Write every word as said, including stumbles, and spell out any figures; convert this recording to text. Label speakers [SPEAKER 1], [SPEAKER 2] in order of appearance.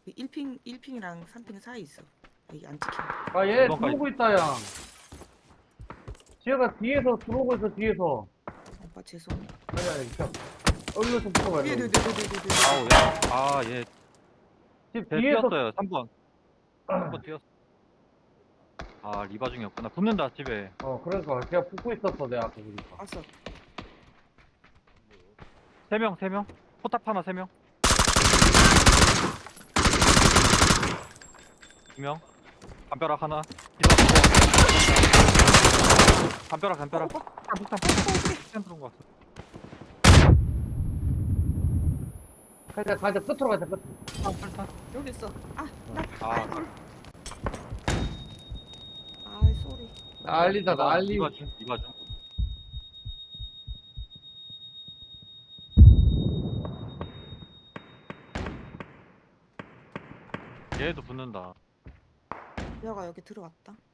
[SPEAKER 1] 그 일 핑 일 핑이랑 삼 핑 사이 있어. 여기 안 찍힌다.
[SPEAKER 2] 아, 얘
[SPEAKER 3] 이번까지.
[SPEAKER 2] 들어오고 있다, 야. 지혜가 뒤에서 들어오고 있어, 뒤에서.
[SPEAKER 1] 오빠 죄송.
[SPEAKER 2] 아니, 아니, 저, 얼른 좀 풀어봐야 돼.
[SPEAKER 1] 네네네네네네.
[SPEAKER 3] 아우 야. 아 얘.
[SPEAKER 2] 집
[SPEAKER 3] 쟤
[SPEAKER 2] 뒤에서.
[SPEAKER 3] 뛰었어요. 삼 번. 삼 번 뛰었어. 아 리바 중이었구나. 붙는다 집에.
[SPEAKER 2] 어, 그러니까. 걔가 붙고 있었어, 내 앞에. 그러니까.
[SPEAKER 1] 왔어.
[SPEAKER 3] 세 명, 세 명. 포탑 하나 세 명. 두 명. 담벼락 하나. 기다려. 담벼락 담벼락.
[SPEAKER 1] 오빠.
[SPEAKER 3] 폭탄 폭탄 폭탄. 폭탄 들어온 거 같어.
[SPEAKER 2] 가자, 가자, 끝으로 가자, 끝.
[SPEAKER 3] 폭탄 폭탄.
[SPEAKER 1] 여기 있어. 아, 나
[SPEAKER 3] 아.
[SPEAKER 1] 아이돌. 아이 쏘리.
[SPEAKER 2] 난리다, 난리.
[SPEAKER 3] 이거 좀 이거 좀. 얘도 붙는다.
[SPEAKER 1] 여가 여기 들어왔다.